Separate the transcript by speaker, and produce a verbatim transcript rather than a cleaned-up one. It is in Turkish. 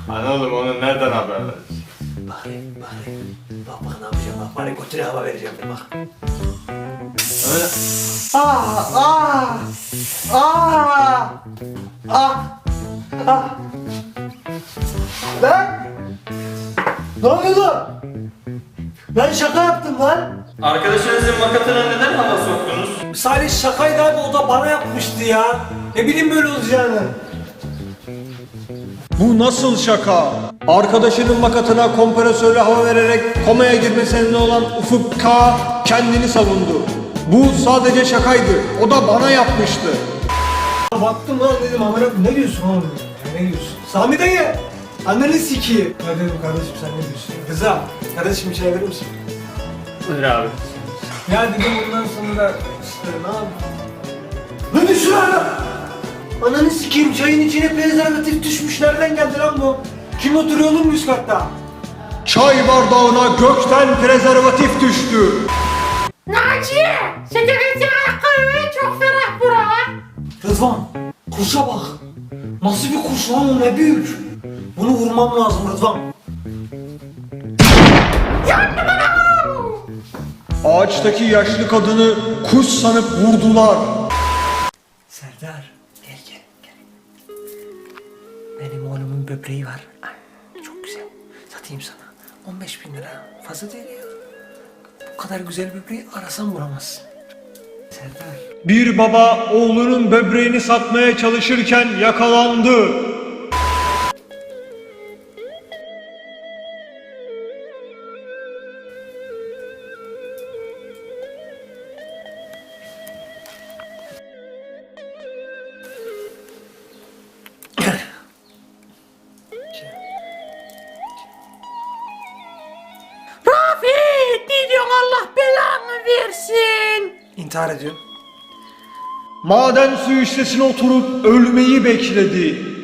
Speaker 1: Hani oğlum onu nereden haber vereceksin?
Speaker 2: Bari, bari. Bak bak ne yapacağım bak. Bari götüne hava vereceğim bir bak.
Speaker 1: Öyle.
Speaker 2: Ah, ah, ah, ah, ah. Lan! Ne oluyor lan? Ben şaka yaptım lan.
Speaker 3: Arkadaşınızın makatına neden hava soktunuz?
Speaker 2: Salih şakaydı abi, o da bana yapmıştı ya. Ne bileyim böyle olacağını.
Speaker 4: Bu nasıl şaka? Arkadaşının makatına kompresörle hava vererek komaya girmesine olan Ufuk K kendini savundu. Bu sadece şakaydı. O da bana yapmıştı.
Speaker 2: Baktım lan dedim, amına ne diyorsun oğlum? Ya, ne diyorsun? Sami dayı! Anneni sikiyim. Ya dedim kardeşim sen ne diyorsun? Kızım, kardeşim bir şey verir misin?
Speaker 3: Buyur abi.
Speaker 2: Ya dedim bundan sonra işte ne yapayım? Ne düşün lan? Ananı sikeyim, çayın içine prezervatif düşmüş. Nereden geldi lan bu? Kim oturuyor oğlum üst katta?
Speaker 4: Çay bardağına gökten prezervatif düştü.
Speaker 5: Naciye! Şekerin ayakkabı çok ferah bura.
Speaker 2: Rıdvan, kuşa bak. Nasıl bir kuş lan o, ne büyük. Bunu vurmam lazım Rıdvan.
Speaker 4: Ağaçtaki yaşlı kadını kuş sanıp vurdular.
Speaker 2: Serdar, gel gel gel. Benim oğlumun böbreği var. Ay, çok güzel. Satayım sana. on beş bin lira. Fazla değil ya. Bu kadar güzel böbreği arasan bulamazsın. Serdar.
Speaker 4: Bir baba oğlunun böbreğini satmaya çalışırken yakalandı.
Speaker 5: Rafet! Ne diyorsun, Allah belanı versin.
Speaker 2: İntihar ediyorum.
Speaker 4: Maden suyu şişesine oturup ölmeyi bekledi.